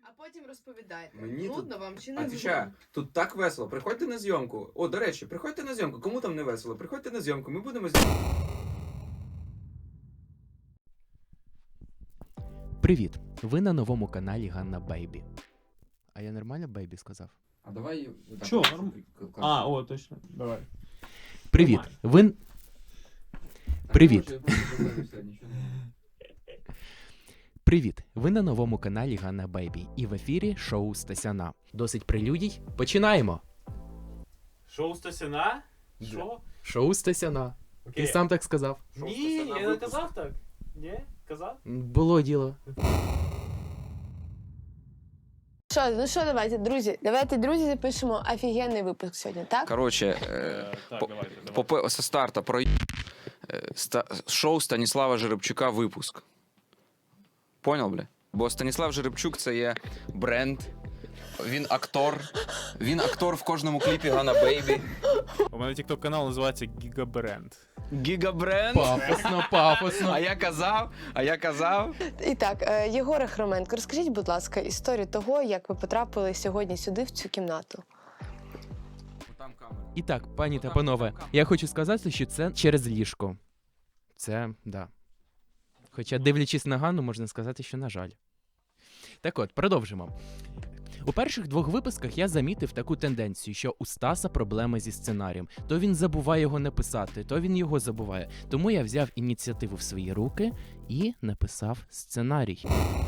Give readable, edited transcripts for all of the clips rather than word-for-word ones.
А потім розповідайте. Мені Нудно вам чи не Отвечаю, тут так весело. Приходьте на зйомку. О, до речі, приходьте на зйомку. Кому там не весело? Приходьте на зйомку, ми будемо знімати. Привіт! Ви на новому каналі Ганна Бейбі. А я нормально Бейбі сказав? А давай... Чо, А, о, точно. Давай. Привіт! Ви... Привіт! Привіт! Ви на новому каналі Ганна Бейбі. І в ефірі шоу Стасяна. Досить прелюдій. Починаємо! Шоу Стасяна? Що? Шоу Стасяна. Ти сам так сказав. Ні, я не казав так. Ні? Казав? Було діло. Ну що, давайте, друзі, запишемо офігенний випуск сьогодні, так? Короче, Так, давайте. со старта про шоу Станіслава Жеребчука випуск. Понял, бля? Бо Станіслав Жеребчук це є бренд. Він актор. Він актор в кожному кліпі Ганна Бейбі. У мене тікток канал називається Гігабренд. Гігабренд. Пафосно, пафосно. А я казав. І так, Єгоре Хроменко, розкажіть, будь ласка, історію того, як ви потрапили сьогодні сюди, в цю кімнату. Там камера. І так, пані та панове, я хочу сказати, що це через ліжко. Це, да. Хоча, дивлячись на Ганну, можна сказати, що на жаль. Так от, продовжимо. У перших двох випусках я замітив таку тенденцію, що у Стаса проблеми зі сценарієм. То він забуває його написати, то він його забуває. Тому я взяв ініціативу в свої руки і написав сценарій.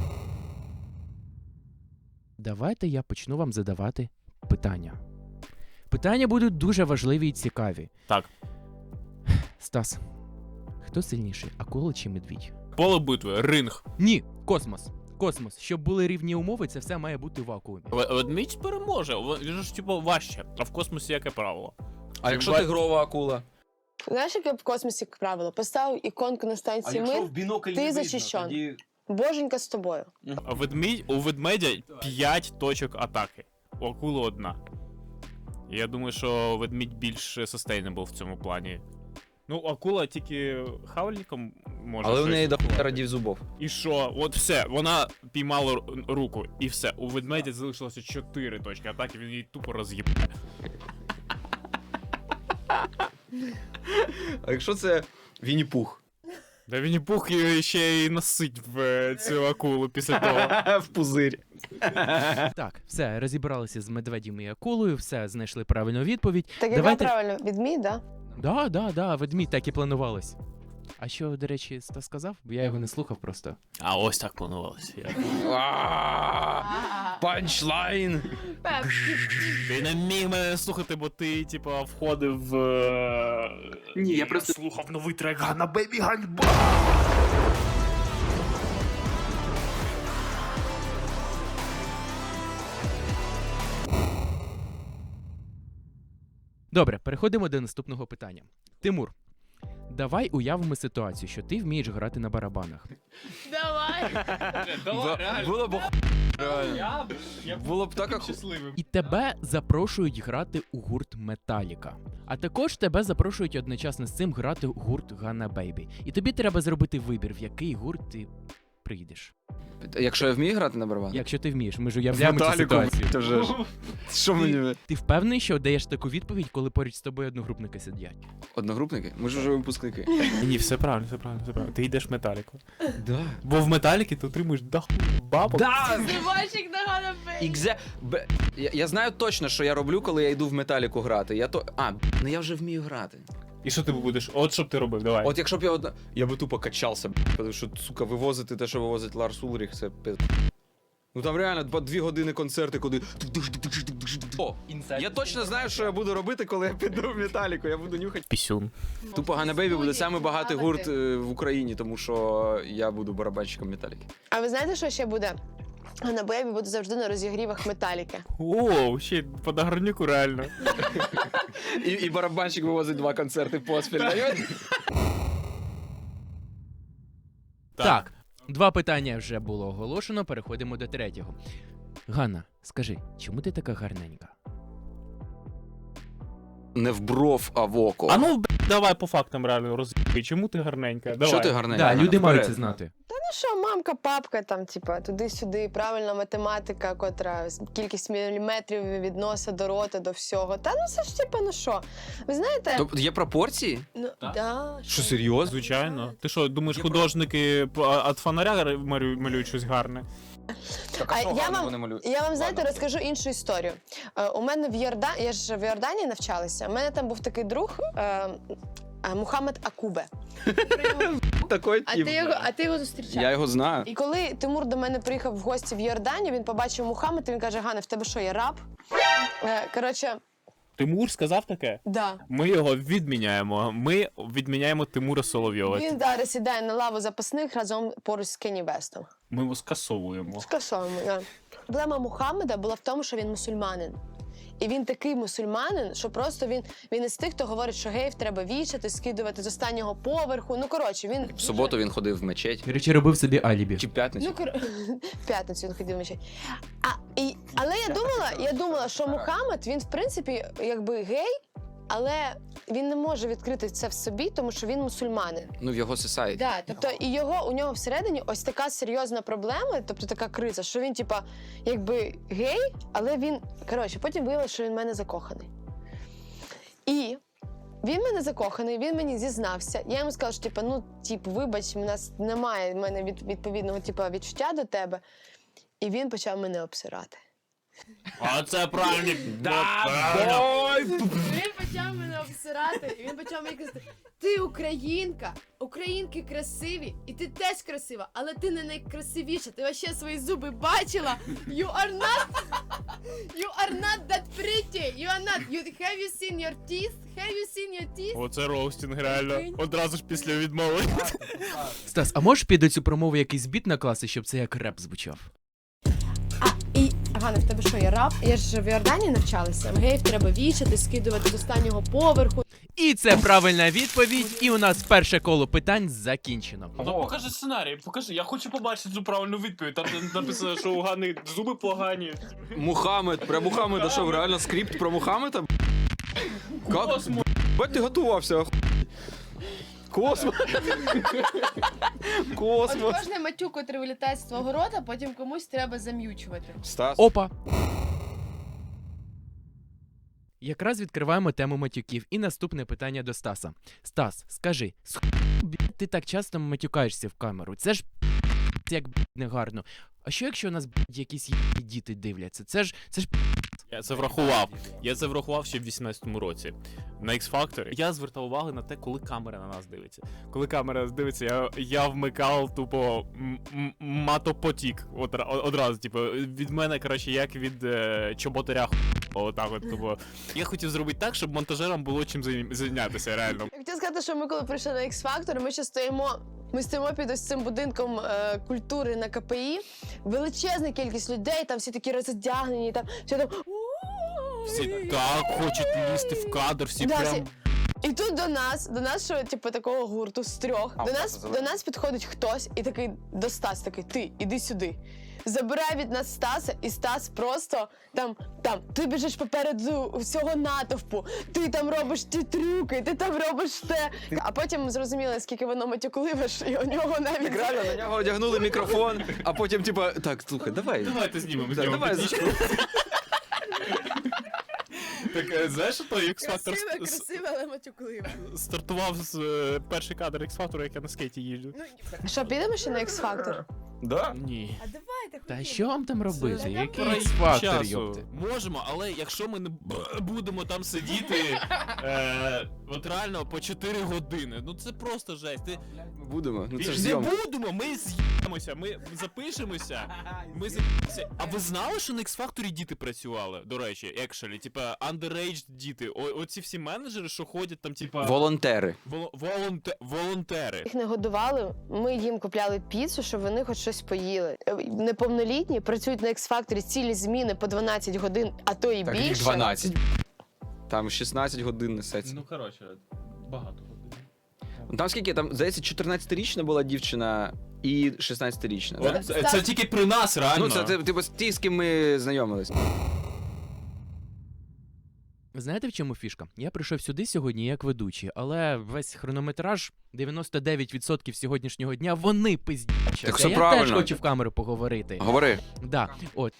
Давайте я почну вам задавати питання. Питання будуть дуже важливі і цікаві. Так. Стас, хто сильніший, акула чи медвідь? Поле битви, ринг. Ні, космос. Космос. Щоб були рівні умови, це все має бути в вакуумі. Ведмідь переможе, він ж типу важче, а в космосі яке правило? А якщо тигрова акула? Знаєш, яке в космосі як правило? Поставив іконку на станції Мир, бінокль ти захищен. Боженька з тобою. У ведмедя 5 точок атаки, у акули 1. Я думаю, що ведмідь більш sustainable в цьому плані. Ну, акула тільки хавальником може. Але в щось. неї до радів зубов. І що? От все, вона піймала руку, і все. У ведмедя залишилося 4 точки атаки, він її тупо роз'їбає. А якщо це Вінні-Пух? Да Вінні-Пух ще й насить в цю акулу після того. В пузирь. Так, все, розібралися з медведем і акулою, все, знайшли правильну відповідь. Так яка правильно? Відмій, да? Да, ведмідь, так і планувалось. А що, до речі, Стас сказав? Бо я його не слухав просто. А ось так планувалося. Панчлайн! Ти не міг мене слухати, бо ти, типа, входив в... Ні, я просто... слухав новий трек Ганна Бейбі Ганьба! Добре, переходимо до наступного питання. Тимур, давай уявимо ситуацію, що ти вмієш грати на барабанах. Давай! Було б реально. Було б так, як... щасливим. І тебе запрошують грати у гурт Металіка. А також тебе запрошують одночасно з цим грати у гурт Ганна Бейбі. І тобі треба зробити вибір, в який гурт ти прийдеш. Якщо я вмію грати на барабан? Якщо ти вмієш, ми ж уявляємо цю ситуацію. Вже ж. Що мені... Ти впевнений, що даєш таку відповідь, коли поруч з тобою одногрупники сидять? Одногрупники? Ми ж вже випускники. Ні, все правильно, все правильно, все правильно. Ти йдеш в Металіку. Да. Бо в Металіки ти отримуєш даху бабок. Да! Зривальщик на Ганна Бейбі! Я знаю точно, що я роблю, коли я йду в Металіку грати. Ну я вже вмію грати. І що ти будеш? От що б ти робив, давай. От якщо б я би тупо качався, тому що, сука, вивозити те, що вивозить Ларс Ульріх, це Ну там реально 2 години концерти, куди... О, я точно знаю, що я буду робити, коли я піду в Металіку, я буду нюхати. Пісюн. Тупо Ганна Бейбі буде самий багатий гурт в Україні, тому що я буду барабанщиком Металіки. А ви знаєте, що ще буде? Ганна Бейбі буде завжди на розігрівах Металіки. О, ще по Дагорнюку реально. І барабанщик вивозить 2 концерти поспіль. Так, 2 питання вже було оголошено, переходимо до 3-го. Ганна, скажи, чому ти така гарненька? Не в бров, а в око. А ну, давай по фактам реально розбій. Чому ти гарненька? Давай. Що ти гарненька? Да, люди Вперед. мають це знати. що, мамка, папка, там, типа, туди-сюди, правильна математика, котра кількість міліметрів від носа до рота, до всього. Та ну це ж типа, ну що? Ви знаєте, Тобто є пропорції? ну, да, Що, серйозно? Звичайно. Ти що, думаєш, художники від фонаря малюють щось гарне? Так, А я вам, знаєте, розкажу іншу історію. У мене в Йордані, я ж в Йорданії навчалася, у мене там був такий друг Мухаммед Акубе. Такий тип. А ти його зустрічав? Я його знаю. І коли Тимур до мене приїхав в гості в Йорданію, він побачив Мухаммед, і він каже: Ганна, в тебе що, є раб? Коротше, Тимур сказав таке? да. Ми його відміняємо. Ми відміняємо Тимура Соловйова. Він зараз сідає на лаву запасних разом поруч з Кенні Вестом. Ми його скасовуємо. Скасовуємо, да. Проблема Мухаммеда була в тому, що він мусульманин. І він такий мусульманин, що просто він із тих, хто говорить, що геїв треба вішати, скидувати з останнього поверху. Ну, коротше, він... В суботу він ходив в мечеть. Короче, робив собі алібі. Чи в п'ятницю? Ну, в п'ятницю він ходив вночі. Але я думала, що Мухаммед, він, в принципі, якби гей, але він не може відкрити це в собі, тому що він мусульманин. Ну, в його сосайті. Да, тобто у нього всередині ось така серйозна проблема, тобто така криза, що він, типа, якби гей, але він, коротше, потім виявилося, що він в мене закоханий. І він в мене закоханий, він мені зізнався. Я йому сказала, що, типа, ну, вибач, у нас немає в мене відповідного, типа, відчуття до тебе. І він почав мене обсирати. А це правильно. Він почав мене обсирати, і він почав мені казати: ти українка, українки красиві, і ти теж красива, але ти не найкрасивіша. Ти вообще свої зуби бачила? You are not that pretty. You are not. Have you seen your teeth? Have you seen your teeth? Оце роустінг, реально. Одразу ж після відмови. Стас, а можеш під цю промову якийсь біт накласти, щоб це як реп звучав? Ганна, в тебе що, є раб? Я ж в Йорданії навчалася. Геїв треба вішати, скидувати з останнього поверху. І це правильна відповідь, і у нас перше коло питань закінчено. Ну, покажи сценарій, покажи. Я хочу побачити цю правильну відповідь. Там написано, що у Гани зуби погані. Мухаммед. Про Мухаммеда що, реально скрипт про Мухаммеда? Как? Бать, ти готувався, охуй. Космос. Космос. Кожний матюк, котрий вилітає з твого рота, потім комусь треба зам'ючувати. Стас. Опа! Якраз відкриваємо тему матюків. І наступне питання до Стаса. Стас, скажи, ти так часто матюкаєшся в камеру? Це ж як негарно. А що якщо у нас якісь діти дивляться? Це ж Я це врахував. Я це врахував ще в 18-му році. На X-Factor я звертав увагу на те, коли камера на нас дивиться. Коли камера нас дивиться, я вмикав тупо матопотік. Одразу, типу, від мене, коротше, як від чоботаря. Отак от, тупо. Я хотів зробити так, щоб монтажерам було чим зайнятися, реально. Я хотіла сказати, що ми коли прийшли на X-Factor, ми ще стоїмо під ось цим будинком культури на КПІ. Величезна кількість людей, там всі такі роздягнені, там всі там... Всі так хочуть лізти в кадр, всі Да, прям... всі- І тут до нас, що, типу, такого гурту з трьох, до нас підходить хтось і такий до Стас, такий: ти, іди сюди. Забирає від нас Стаса, і Стас просто там, ти біжиш попереду всього натовпу, ти там робиш ті трюки, ти там робиш те. А потім ми зрозуміли, скільки воно матюкливе, і у нього навіть... Так реально, на нього одягнули мікрофон, а потім, типа, так, слухай, давай. Давайте знімемо з Так, нього давай. петличку. Так, знаєш, що той X-Factor Красиве, але матюкливе. стартував з перший кадр X-Factor, як я на скейті їжджу. Що, підемо ще на X-Factor? Да? Ні. А давайте, Та що вам там робити? Це Який пройде X-Factor, Часу. йопти? Можемо, але якщо ми не будемо там сидіти, от реально по 4 години, ну це просто жесть. Ми будемо, ну це ж Не зйомка. будемо, ми з'їмося, ми запишемося, ми з'їмося. А ви знали, що на X-Factor діти працювали, до речі, екшелі, типа underage діти, оці всі менеджери, що ходять там, типа... Волонтери. Волонтери. Їх не годували, ми їм купляли піцу, щоб вони хоч щось поїли. Неповнолітні працюють на X-Factor цілі зміни по 12 годин, а то і Так, їх більше. 12. Там 16 годин несеться. Ну, коротше, багато годин. Там скільки? Там, здається, 14-річна була дівчина і 16-річна. Да? Це тільки при нас, реально. Ну, це типу ті, з ким ми знайомились. Знаєте, в чому фішка? Я прийшов сюди сьогодні як ведучий, але весь хронометраж, 99% сьогоднішнього дня, вони пиздячаться. Так все Я правильно. теж хочу в камеру поговорити. Говори. Да, от.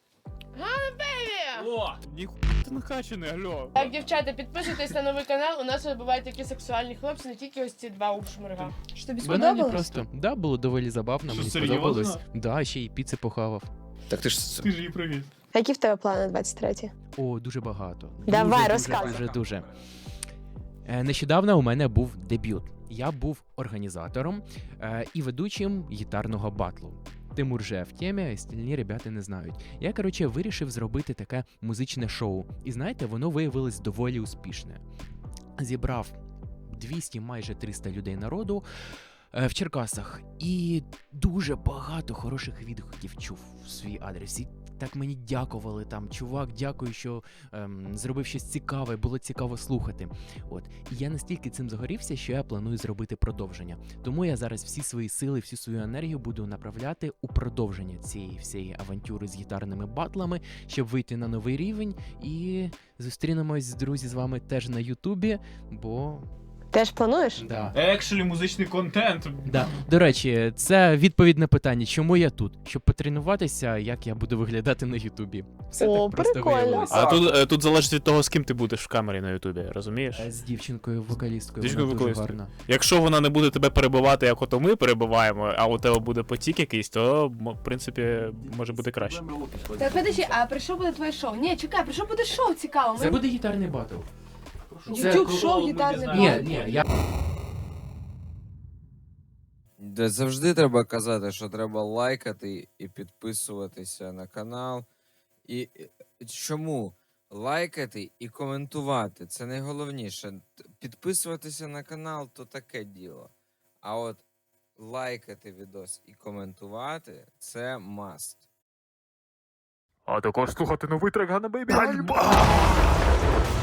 О, ніхуя ти накачаний, алло. Так, дівчата, підписуйтесь на новий канал. У нас тут бувають такі сексуальні хлопці, не тільки ось ці два ушмирга. Що тобі Банані сподобалось? просто. Да, було доволі забавно, Що, мені серйозно? сподобалось. Да, ще й піци похавав. Так ти ж Ти ж її привіз. Які в тебе плани на 23-ті? О, дуже багато. Давай, Дуже, розказуй. Дуже. Нещодавно у мене був дебют. Я був організатором і ведучим гітарного батлу. Тимур же в темі, а остальні ребята не знають. Я, коротше, вирішив зробити таке музичне шоу. І знаєте, воно виявилось доволі успішне. Зібрав 200, майже 300 людей народу в Черкасах. І дуже багато хороших відгуків чув в свій адрес. І так мені дякували там. Чувак, дякую, що зробив щось цікаве, було цікаво слухати. От. І я настільки цим загорівся, що я планую зробити продовження. Тому я зараз всі свої сили, всю свою енергію буду направляти у продовження цієї всієї авантюри з гітарними батлами, щоб вийти на новий рівень. І зустрінемось, друзі, з вами теж на Ютубі, бо... Теж плануєш? Да. Екшелі музичний контент. Да. До речі, це відповідь на питання, чому я тут? Щоб потренуватися, як я буду виглядати на Ютубі. Все О, так просто прикольно. виявилося. А тут залежить від того, з ким ти будеш в камері на Ютубі, розумієш? З дівчинкою вокалісткою, Дівчинкою вона дуже вокалісткою. гарна. Якщо вона не буде тебе перебивати, як ото ми перебиваємо, а у тебе буде потік якийсь, то, в принципі, може бути краще. Так, подожди, а при що буде твоє шоу? Ні, чекай, при що буде шоу цікаво? Це буде гітарний батл. YouTube шоу гітарне Ні, я... Де завжди треба казати, що треба лайкати і підписуватися на канал. І чому? Лайкати і коментувати це найголовніше. Підписуватися на канал то таке діло. А от лайкати відос і коментувати це must. А також слухати новий трек Ганна Бейбі.